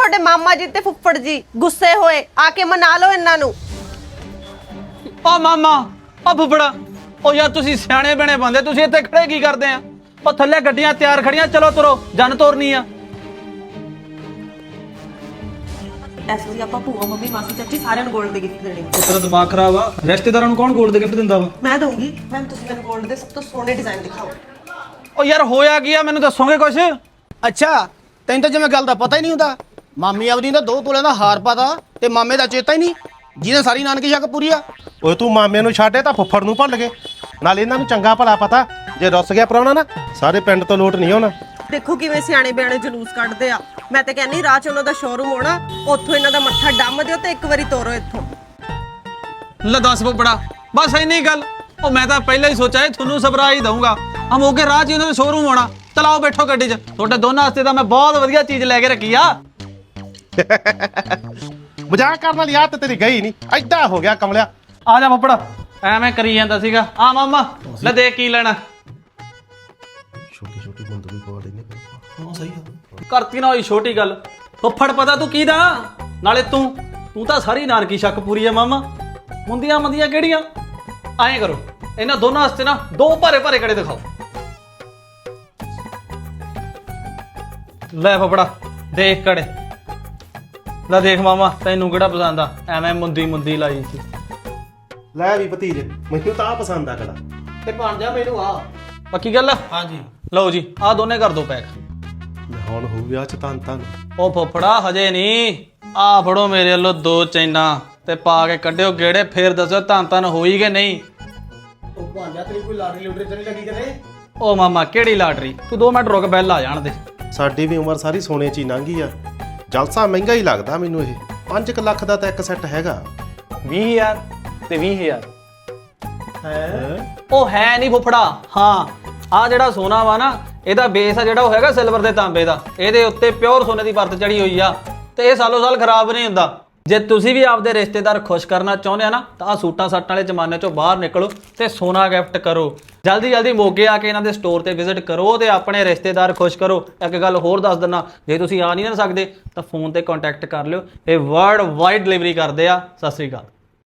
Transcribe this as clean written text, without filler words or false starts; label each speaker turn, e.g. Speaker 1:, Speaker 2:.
Speaker 1: ਤੁਹਾਡੇ ਮਾਮਾ ਜੀ ਤੇ ਫੁੱਫੜ ਜੀ ਗੁੱਸੇ ਹੋਏ, ਆ ਕੇ ਮਨਾ ਲਓ ਇਹਨਾਂ ਨੂੰ।
Speaker 2: ਓ ਮਾਮਾ ਓ ਫੁੱਫੜਾ, ਓ ਯਾਰ ਤੁਸੀਂ ਸਿਆਣੇ ਬਣੇ ਬੰਦੇ, ਤੁਸੀਂ ਇੱਥੇ ਖੜੇ ਕੀ ਕਰਦੇ ਆ? ਓ ਥੱਲੇ ਗੱਡੀਆਂ ਤਿਆਰ ਖੜੀਆਂ, ਚਲੋ ਤੁਰੋ, ਜਨ ਤੋਰਨੀ ਆ।
Speaker 1: ਇਸ ਵਾਰੀ ਆਪਾਂ ਭੂਆ ਮੰਮੀ ਮਾਸੀ ਚਾਚੀ ਸਾਰਿਆਂ ਨੂੰ 골ਡ ਦੇ ਗਿਫਟ ਦੇਣੇ।
Speaker 2: ਤੇਰਾ ਦਿਮਾਗ ਖਰਾਬ ਆ, ਰਿਸ਼ਤੇਦਾਰਾਂ ਨੂੰ ਕੌਣ 골ਡ ਦੇ ਗਿਫਟ ਦਿੰਦਾ ਵਾ?
Speaker 1: ਮੈਂ ਦਊਂਗੀ। ਮੈਮ ਤੁਸੀਂ ਮੈਨੂੰ 골ਡ ਦੇ ਸਭ ਤੋਂ ਸੋਹਣੇ ਡਿਜ਼ਾਈਨ ਦਿਖਾਓ।
Speaker 2: ਓ ਯਾਰ ਹੋਇਆ ਕੀ ਆ, ਮੈਨੂੰ ਦੱਸੋਗੇ ਕੁਛ?
Speaker 3: ਅੱਛਾ, ਤੈਨੂੰ ਤਾਂ ਜਿਵੇਂ ਗੱਲ ਦਾ ਪਤਾ ਹੀ ਨਹੀਂ ਹੁੰਦਾ। ਮਾਮੀ ਆਪਦੀ ਦਾ 2 ਤੋਲਿਆਂ ਦਾ ਹਾਰ ਪਾਤਾ ਤੇ ਮਾਮੇ ਦਾ ਚੇਤਾ ਹੀ ਨਹੀਂ, ਜਿਹਨੇ ਸਾਰੀ ਨਾਨਕੀ ਸ਼ੱਕ ਪੂਰੀ ਆ।
Speaker 4: ਓਏ ਤੂੰ ਮਾਮੇ ਨੂੰ ਛੱਡੇ ਤਾਂ ਫੁੱਫੜ ਨੂੰ ਭੁੱਲ ਗਏ। ਨਾਲ ਇਹਨਾਂ ਨੂੰ ਚੰਗਾ ਭਲਾ ਪਤਾ, ਜੇ ਰੁੱਸ ਗਿਆ ਪ੍ਰਾਹੁਣਾ ਨਾ ਸਾਰੇ ਪਿੰਡ ਤੋਂ ਲੋਟ ਨਹੀਂ ਹੋਣਾ।
Speaker 1: ਦੇਖੋ ਕਿਵੇਂ ਸਿਆਣੇ ਬਿਆਣੇ ਜਲੂਸ ਕੱਢਦੇ ਆ। ਮੈਂ ਤਾਂ ਕਹਿੰਨੀ ਰਾਹ ਚ ਉਹਨਾਂ ਦਾ ਸ਼ੋਰੂਮ ਹੋਣਾ, ਉੱਥੋਂ ਇਹਨਾਂ ਦਾ ਮੱਥਾ ਡੰਮ ਦਿਓ ਤੇ ਇੱਕ ਵਾਰੀ ਤੋਰੋ ਇੱਥੋਂ।
Speaker 2: ਲੈ ਦੱਸ ਫੁੱਫੜਾ, ਬਸ ਇੰਨੀ ਗੱਲ? ਉਹ ਮੈਂ ਤਾਂ ਪਹਿਲਾਂ ਹੀ ਸੋਚਿਆ ਤੁਹਾਨੂੰ ਸਰਪ੍ਰਾਈਜ਼ ਦਊਂਗਾ। ਹਮ ਹੋ ਕੇ ਰਾਹ 'ਚ ਉਹਨਾਂ ਦਾ ਸ਼ੋਰੂਮ ਹੋਣਾ। ਚਲਾਓ ਬੈਠੋ ਗੱਡੀ 'ਚ, ਤੁਹਾਡੇ ਦੋਨਾਂ ਵਾਸਤੇ ਤਾਂ ਮੈਂ ਬਹੁਤ ਵਧੀਆ ਚੀਜ਼ ਲੈ ਕੇ ਰੱਖੀ ਆ।
Speaker 4: ਮਜ਼ਾਕ ਕਰਨ ਵਾਲੀ ਆਦਤ ਤੇਰੀ ਗਈ ਨਹੀਂ, ਐਦਾਂ ਹੋ ਗਿਆ ਕਮਲਿਆ।
Speaker 2: ਆ ਜਾ ਫੁੱਫੜਾ, ਐਵੇਂ ਕਰੀ ਜਾਂਦਾ ਸੀਗਾ। ਆ ਮਾਮਾ ਲੈ ਦੇਖ ਕੀ ਲੈਣਾ।
Speaker 4: ਛੋਟੀ ਛੋਟੀ ਬੰਦ ਵੀ ਪਵਾ ਲੈਨੇ। ਹਾਂ ਸਹੀ ਆ,
Speaker 2: ਕਰਤੀ ਨਾ ਹੋਈ ਛੋਟੀ ਗੱਲ। ਫੁੱਫੜ ਪਤਾ ਤੂੰ ਕੀ ਦਾ? ਨਾਲੇ ਤੂੰ ਤਾਂ ਸਾਰੀ ਨਾਨਕੀ ਸ਼ੱਕ ਪੂਰੀ ਆ ਮਾਮਾ। ਮੁੰਦੀਆਂ ਮੰਦੀਆਂ ਕਿਹੜੀਆਂ? ਐਂ ਕਰੋ, ਇਹਨਾਂ ਦੋਨਾਂ ਵਾਸਤੇ ਨਾ 2 ਭਾਰੇ ਭਾਰੇ ਕੜੇ ਦਿਖਾਓ। ਲੈ ਫੁੱਫੜਾ ਦੇਖ ਕੜੇ। ਲੈ ਦੇਖ ਮਾਮਾ, ਤੈਨੂੰ ਕਿਹੜਾ ਪਸੰਦ ਆ? ਐਵੇਂ ਮੁੰਦੀ ਲਾਈ ਸੀ।
Speaker 4: ਲੈ ਵੀ ਭਤੀਜ, ਮੈਨੂੰ ਤਾਂ ਆ ਪਸੰਦ ਆ ਕੜਾ।
Speaker 2: ਤੇ ਬਣ ਜਾ ਮੈਨੂੰ ਆ ਪੱਕੀ ਗੱਲ। ਹਾਂਜੀ ਲਓ ਜੀ, ਆ ਦੋਨੇ ਕਰ ਦੋ ਪੈਕ।
Speaker 4: ਹੁਣ ਹੋ ਵਿਆਹ ਚ ਤਾਂ
Speaker 2: ਉਹ ਫੁੱਫੜਾ ਹਜੇ ਨਹੀਂ, ਆ ਫੜੋ ਮੇਰੇ ਵੱਲੋਂ 2 ਚੈਨਾਂ ਤੇ ਪਾ ਕੇ ਕੱਢਿਓ ਗੇੜੇ, ਫੇਰ ਦੱਸੋ ਧੰਨ ਹੋਈ ਕਿ ਨਹੀਂ।
Speaker 3: ਉਹ ਭਾਂਜਾ ਤੇਰੀ ਕੋਈ ਲਾਟਰੀ ਲੂਟਰੀ ਤੇ ਨਹੀਂ ਲੱਗੀ ਕਦੇ?
Speaker 2: ਉਹ ਮਾਮਾ ਕਿਹੜੀ ਲਾਟਰੀ? ਤੂੰ 2 ਮਿੰਟ ਰੁਕ, ਬੈਲ ਆ ਜਾਣ ਦੇ।
Speaker 4: ਸਾਡੀ ਵੀ ਉਮਰ ਸਾਰੀ ਸੋਨੇ 'ਚ ਹੀ ਲੰਘੀ ਆ। ਜਲਸਾ ਮਹਿੰਗਾ ਹੀ ਲੱਗਦਾ ਮੈਨੂੰ ਇਹ। 5 ਲੱਖ ਦਾ ਤਾਂ ਇੱਕ ਸੈੱਟ ਹੈਗਾ।
Speaker 2: 20,000 ਤੇ 20,000
Speaker 4: ਹੈ
Speaker 2: ਉਹ ਹੈ ਨਹੀਂ ਫੁੱਫੜਾ। ਹਾਂ, ਆ ਜਿਹੜਾ ਸੋਨਾ ਵਾ ਨਾ, ਇਹਦਾ ਬੇਸ ਆ ਜਿਹੜਾ ਉਹ ਹੈਗਾ ਸਿਲਵਰ ਤੇ ਤਾਂਬੇ ਦਾ। ਇਹਦੇ ਉੱਤੇ ਪਿਓਰ ਸੋਨੇ ਦੀ ਪਰਤ ਚੜੀ ਹੋਈ ਆ ਤੇ ਇਹ ਸਾਲੋ ਸਾਲ ਖਰਾਬ ਨਹੀਂ ਹੁੰਦਾ। ਜੇ ਤੁਸੀਂ ਵੀ ਆਪਦੇ ਰਿਸ਼ਤੇਦਾਰ ਖੁਸ਼ ਕਰਨਾ ਚਾਹੁੰਦੇ ਆ ਨਾ, ਤਾਂ ਆ ਸੂਟਾਂ ਸਾਟਾਂ ਵਾਲੇ ਜ਼ਮਾਨੇ ਚੋਂ ਬਾਹਰ ਨਿਕਲੋ ਤੇ ਸੋਨਾ ਗਿਫਟ ਕਰੋ। ਜਲਦੀ ਮੋਗੇ ਆ ਕੇ ਇਹਨਾਂ ਦੇ ਸਟੋਰ ਤੇ ਵਿਜ਼ਿਟ ਕਰੋ ਤੇ ਆਪਣੇ ਰਿਸ਼ਤੇਦਾਰ ਖੁਸ਼ ਕਰੋ। ਇੱਕ ਗੱਲ ਹੋਰ ਦੱਸ ਦਿੰਦਾ, ਜੇ ਤੁਸੀਂ ਆ ਨਹੀਂ ਨਾ ਸਕਦੇ ਤਾਂ ਫੋਨ ਤੇ ਕੰਟੈਕਟ ਕਰ ਲਿਓ, ਇਹ ਵਰਲਡ ਵਾਈਡ ਡਿਲੀਵਰੀ ਕਰਦੇ ਆ। ਸਤਿ ਸ੍ਰੀ ਅਕਾਲ।